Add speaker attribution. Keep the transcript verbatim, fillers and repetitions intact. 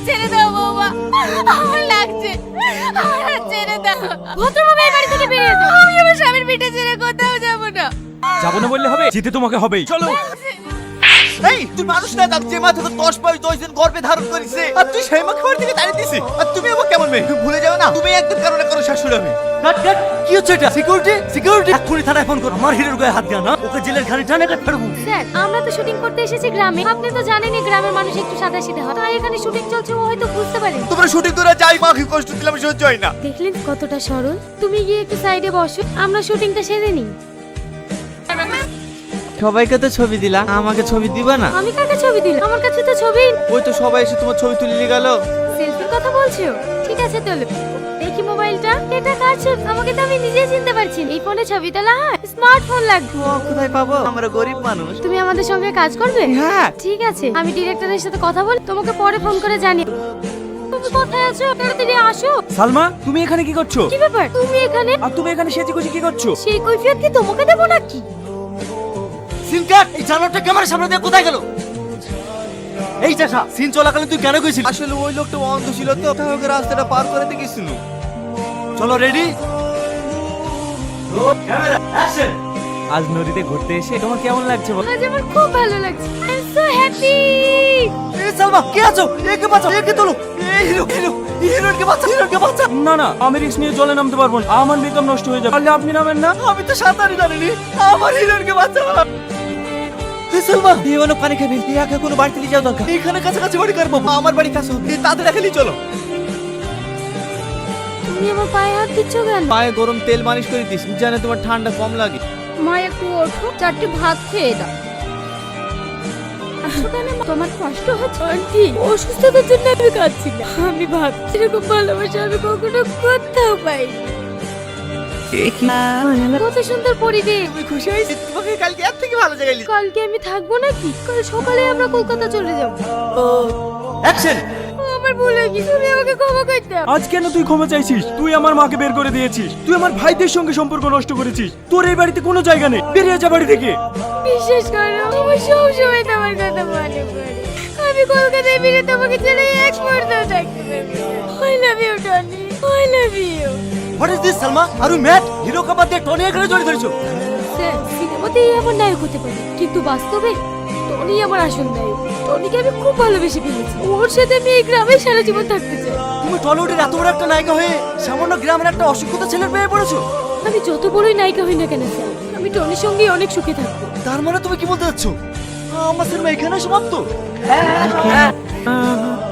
Speaker 1: ছেড়ে দাও বৌমা, আমার লাগছে, আমার ছেড়ে দাও। ভদ্রভাবে এই বাড়ি থেকে বেরিয়ে যাও। আমি আমার স্বামীর পিঠে ছেড়ে কোথাও যাব না।
Speaker 2: যাবো না বললে হবে, যেতে তোমাকে হবেই। চলো।
Speaker 3: এই তুই মানুষ না দাম, যে মা তোকে দশ মাস দশ দিন গর্ভে ধারণ করেছে, আর তুই সেই মা খাবার থেকে দাঁড়িয়ে দিছিস। আর তুমি আমার কেমন মেয়ে, তুমি ভুলে যাও না তুমি একদম কারণে কারো শাশুড়ি হবে।
Speaker 4: কাট কাট, কি হচ্ছে এটা? সিকিউরিটি সিকিউরিটি, এক্ষুনি থানায় ফোন কর। আমার হিরোর গায়ে হাত দিয়া না, ওকে জেলের ঘানি টানে এটা ফেরবো।
Speaker 1: স্যার, আমরা তো শুটিং করতে এসেছি গ্রামে। আপনি তো জানেনই গ্রামের মানুষ একটু সাদাসিধে হয়, তাই এখানে শুটিং চলছে, ও হয়তো বুঝতে পারে।
Speaker 3: তোমরা শুটিং করে যাই, মাকে কষ্ট দিলাম, সহ্য হয় না।
Speaker 1: দেখলেন কতটা সরল। তুমি গিয়ে একটু সাইডে বসো, আমরা শুটিংটা সেরে নিই।
Speaker 5: সবাইকে তো ছবি দিলা, আমাকে ছবি দিবা না?
Speaker 1: আমি কাকে ছবি দিলাম? আমার কাছে তো ছবি।
Speaker 5: ওই তো সবাই এসে তোমার ছবি তুলে নিয়ে গেল।
Speaker 1: সেলফির কথা বলছো? ঠিক আছে তোলো। দেখি মোবাইলটা, এটা কার ছবি? আমাকে তো আমি নিজেই চিনতে পারছি না। এই ফোনে ছবি তোলা হয়? স্মার্টফোন লাগবে।
Speaker 5: ও কোথায় পাবো, আমরা গরিব মানুষ।
Speaker 1: তুমি আমাদের সঙ্গে কাজ করবে?
Speaker 5: হ্যাঁ।
Speaker 1: ঠিক আছে, আমি ডিরেক্টরের সাথে কথা বলি, তোমাকে পরে ফোন করে জানি। তুমি কোথায় আছো? তাড়াতাড়ি আসো।
Speaker 2: সালমা, তুমি এখানে কি করছো?
Speaker 1: কি ব্যাপার, তুমি এখানে?
Speaker 2: আর তুমি এখানে সেজে গুজে কি করছো?
Speaker 1: সেই কৈফিয়ত কি তোমাকে দেবো নাকি?
Speaker 4: সিন কাট, এই জানোয়ারটা ক্যামেরার সামনে দিয়ে কোথায় গেল? এই চাষা, সিন চলাকালীন তুই কেন গেছিস?
Speaker 3: আসলে ওই লোকটা অন্ধ ছিল তো, তাই ওকে রাস্তাটা পার করে দিয়ে গেছিল।
Speaker 4: চলো রেডি, ক্যামেরা অ্যাকশন।
Speaker 2: আজ নদীতে ঘুরতে এসে তোমার কেমন লাগছে বল?
Speaker 1: আজ আমার খুব ভালো লাগছে। I am so happy.
Speaker 4: এই সালমা, কে আছো? একে বাঁচাও, একে তোলো। এই হিরো হিরো হিরোকে বাঁচাও, হিরোকে বাঁচাও।
Speaker 2: না না, আমি রিস্ক নিয়ে জলে নামতে পারবো না, আমার মেকআপ নষ্ট হয়ে যাবে। তাহলে আপনি নামেন না।
Speaker 4: আমি তো সাঁতারই জানিনি, আমার হিরোকে বাঁচাও। এই সালমা, এই অনেক পানি খাবি, এই একা কোনো বাড়িতে নিয়ে যাওয়া দরকার। এখানে কাছাকাছি বাড়ি কার পাবো?
Speaker 3: আমার বাড়ি কাছে হবে, তাদের এখানেই চলো।
Speaker 1: তুমি আমার পায়ে হাত দিচ্ছ কেন?
Speaker 5: পায়ে গরম তেল মালিশ করে দিস, জানে তোমার ঠান্ডা কম লাগে।
Speaker 1: মা একটু ওঠো, চারটে ভাত খেয়ে দাও। আসো কেন মা? তোমার কষ্ট হচ্ছে? আন্টি, অসুস্থতার জন্য আমি কাঁদছি না। আমি ভাবছি এরকম ভালোবাসা আমি কখনো কোথাও পাইনি। কত সুন্দর পরিবেশ।
Speaker 3: তুমি খুশি হয়েছি? তোমাকে কালকে এর থেকে ভালো জায়গায় নিয়ে-
Speaker 1: কালকে আমি থাকবো নাকি? কাল সকালে আমরা কলকাতা চলে যাব।
Speaker 4: অ্যাকশন।
Speaker 1: আমার ভুল হয়ে গেছে, তুমি আমাকে ক্ষমা করে দাও।
Speaker 2: আজ কেন তুই ক্ষমা চাইছিস? তুই আমার মাকে বের করে দিয়েছিস, তুই আমার ভাইদের সঙ্গে সম্পর্ক নষ্ট করেছিস। তোর এই বাড়িতে কোনো জায়গা নেই, বেরিয়ে যা বাড়ি থেকে।
Speaker 1: বিশ্বাস করো, আমার সব সময় তোমার কথা মনে পড়ে। আমি কলকাতায় ফিরে তোমাকে ছেড়ে এক মুহূর্তও থাকতে পারবো না। I love you, Tony. I love you.
Speaker 4: What is this Salma? Are you mad? Hero কাপার দিয়ে টনি এখানে জড়িয়ে ধরেছো?
Speaker 1: স্যার, সিনেমাতেই আমার নায়ক হতে পারে, কিন্তু বাস্তবে টনি আমার আসল নায়ক। টনিকে আমি খুব ভালোবেসে ফেলেছি। ওর সাথে আমি এই গ্রামে সারা জীবন থাকতে চাই।
Speaker 4: তুমি টলিউডের এত বড় একটা নায়িকা হয়ে সামান্য গ্রামের একটা অশিক্ষিত ছেলের পেয়ে পড়েছো?
Speaker 1: আমি যত বড়ই নায়িকা হই না কেন স্যার, আমি টনির সঙ্গেই অনেক সুখে থাকবো।
Speaker 4: তার মানে তুমি কি বলতে চাচ্ছ আমার সিনেমা এখানে সমাপ্ত?